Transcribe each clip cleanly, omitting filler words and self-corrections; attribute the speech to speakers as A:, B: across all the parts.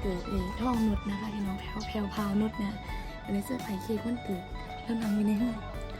A: กิดท่องนุชนะคะพี่น้องแพลวพาวนุชเนี่ยเป็นเสื้อไผ่เค้กวันเกิดเริ่มทำอยู่ในห้อง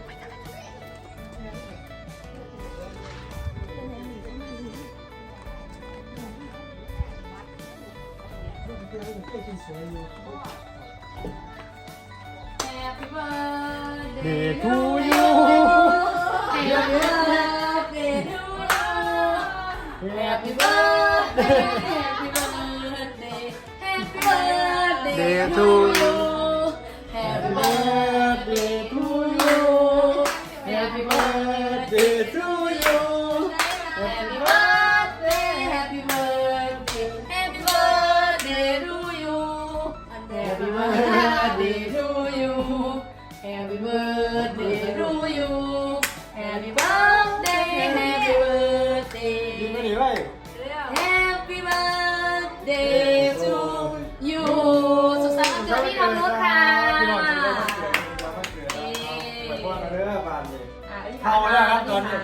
A: Happy birthday to you Happy birthday to you Happy birthday Happy birthday Happy birthday to you Happy birthday to you Happy birthday to you Happy birthday Happy birthday Happy birthday to you Happy birthday to you Happy birthday to you Happy birthday Happy birthday
B: ยิงไม่หนีไว้
A: Happy birthday to you สุขสันต์วันเกิดพี่ทองนุชค่ะ
B: พี่น้องจะได้วันเกิดไปพ่อกันเด้อบานเลยเข้าแล้วครับตอนนี้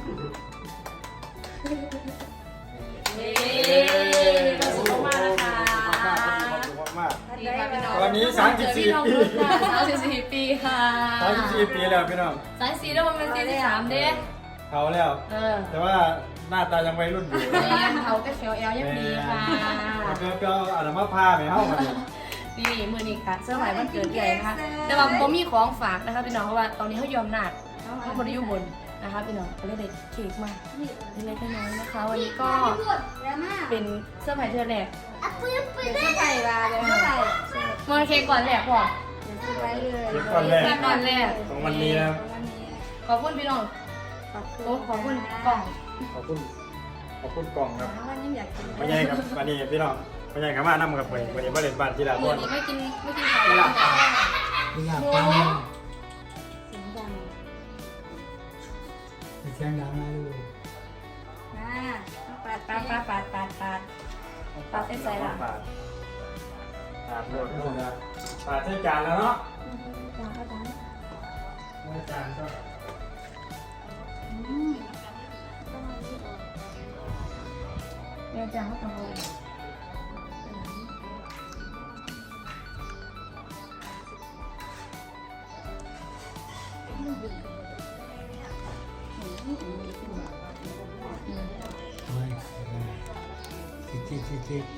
A: ประสบมากนะคะ
B: มาก
A: ดีค่ะพี่น้อง
B: วันนี้34 ปี
A: 34 ปีค่ะ
B: 34 ปีแล้วพี่น้อง
A: 34แล้วมันเป็น43เด้
B: เขาแล้ว แต่ว่าหน้าตายังวัยรุ่นอยู่
A: แม่เขาก็เขียวแอลยังดีค่ะ
B: เปรี้ยวๆอาจจะมาพาไปเข้ามาดิ
A: นี่มือนี้ค่ะเสื้อไหมวันเกิดใหญ่นะคะแต่ว่าผมมีของฝากนะคะพี่น้องเพราะว่าตอนนี้เขายอมหนักเขาคนอยู่บนนะคะพี่น้องเขาเลยได้เค้กมาเล็กๆน้อยๆนะคะวันนี้ก็เป็นเสื้อไหมเธอแหลกเป็นเสื้อไหมลาเลยค่ะมอนเค้กก่อนแหลกพ่อ
B: ก่อนแรก
A: ก่อนแรก
B: ของวันนี้นะครับ
A: ขอบคุณพี่น้องขอบคุณกล่อง
B: ขอบคุณกล่องครับไม่ใช่ครับวันนี้พี่น้องไม่ใช่ครับว่านั่งกับวันนี้มาเล่นบ้านที่ละ
A: มื
B: ค
A: อน นี้ไม่กินข้าวแล้วจ้ะ
C: ไม่อยากฟังเสียงดังนะลูก
A: ปาดเส้นใจละ
B: ปาดโหลดก็จะปาดใช้จานแล้วเนาะจานก็
A: เรียนจังเขาต้องเอา
C: ทิศ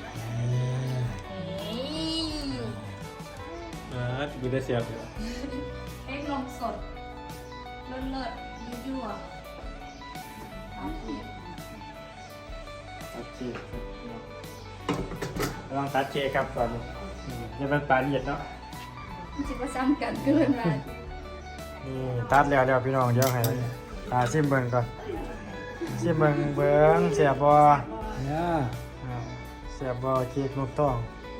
B: ดูได้เสียบอยู่
A: เอ็กนมสดเลิศยั่ว
B: ตัดเค้กลองตัดเค้กครับก่อนจะเป็นปลาเย็ดเนาะ
A: จิบว่าซ้ำกันเกินมา
B: นี่ตัดแล้วพี่น้องเดี๋ยวให้ซิมเบิ้งก่อนซิมเบิ้งเสียบบ่
C: เนี่ย
B: เสียบบ่เค้กนกต้อง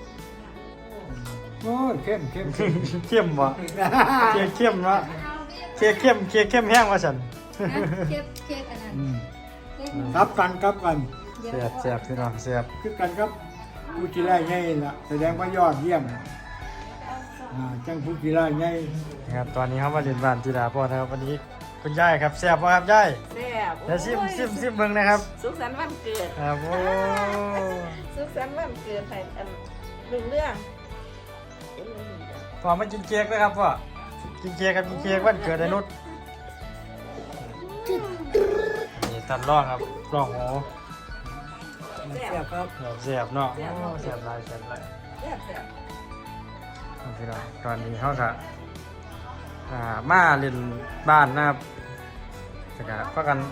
C: โอ้ยเข้ม
B: เข้มบ่เค้กเข้มเนาะเค้กเข้มแห้งว่าฉัน
A: เค้กอันนั้น
C: ครับกัน
B: เสียบพี่น้องเสียบ
C: คือกันครับผู้กีฬาใหญ่ละแสดงว่ายอดเยี่ยมจังผู้กีฬาใหญ่
B: นะครับตอนนี้เขามาเรียนบ้านจีดาพ่อนะครับวันนี้คุณยายครับเสียบบ่ครับยาย
D: แซ่บ
B: เดี๋ยวซิมเบิ้งนะครับ
D: สุขสันต์วันเกิด
B: ครับโอ้
D: สุขสันต์วันเกิดให้เรื่อง
B: พ่อมากินเค้กนะครับพ่อกินเค้กวันเกิดไอ้นุชนี่ตัดร่องครับร่องโห
C: เสียบครับ
B: เสียบเนาะโอ้เสียบลาย
D: แซ่บ
B: พี่น้องตอนนี้เขาก็มาเล่นบ้านนะครับแต่ก็พักกัน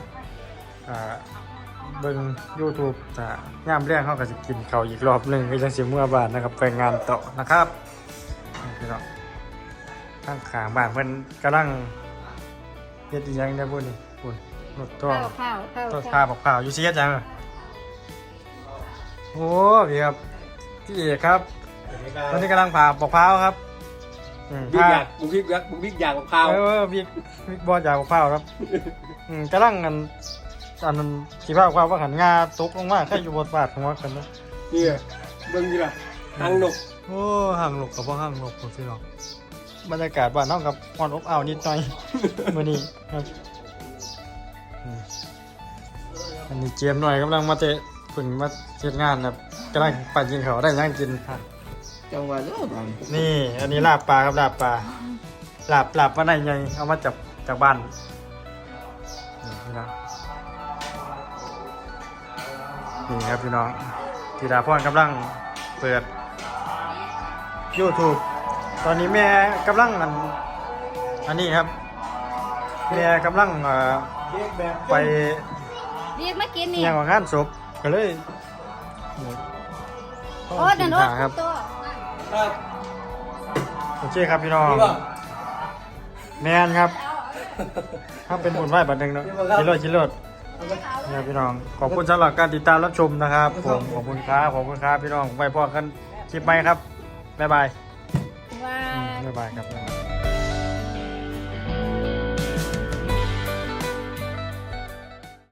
B: เบิ่ง YouTube แต่ย่ามเรื่องเขาก็จะกินข้าวอีกรอบหนึงก็ยังสิเมื่อบ้านนะครับไปงานต่อนะครับพี่น้องข้างขางบ้านเพิ่นกำลังเฮ็ดอีหยังได้บ่นี่พุ่นรถต้องต้นข้าวข้าวอยู่สิเฮ็ดหยังอะโอ้พี่ครับพี่เอกครับตอนนี้กำลังผ่าปอกพร้าวครับ
C: บิ๊กอยากบิ๊กอยากของข้าว
B: บิ๊กบอลจากข้าวครับกำลังอันนั้นสีผ้าความว่าหันงาตกลงมาแค่อยู่บนบาทของว่ากันนะ
C: นี่เบิ่งดีล่ะทางนก
B: โอ้ห่างหลบกับว่าห่างหลบผมสิเนาะบรรยากาศบ้านน้องกับอ่อนอบอ้าวนิดหน่อย มื้อนี้ครับอันนี้เกมหน่อยกำลังมาเตะฝึกมาเฮ็ดงานครับกำลังปั่นกินเขาได้ยังกิน
C: จังหวะเด้อบัง
B: นี่อันนี้ลาบปลาครับลาบปลาลาบปลาในไงเอามาจากบ้านนี่พี่น้องนี่ครับพี่น้องธีดาพรกำลังเปิด YouTube ตอนนี้แม่กำลังอันนี้ครับแม่กำลัง
C: เรียกแบบ
B: ไป
A: เรียกมากินนี่
B: ยังของงานศพก็เลย
A: โอ้นั่นโอ้
B: ครับ
A: ตัว
C: ครับ
B: โอเคครับพี่น้อง
C: นี่บ่
B: แมนครับถ้าเป็นบุญไหว้บัดหนึ่งเนาะกินรถเนี่ยพี่น้องขอบคุณสำหรับการติดตามรับชมนะครับผมขอบคุณครับพี่น้องไว้พอกันคลิปใหม่ครับบ๊ายบาย
A: ว่า
B: บ๊ายบายครับ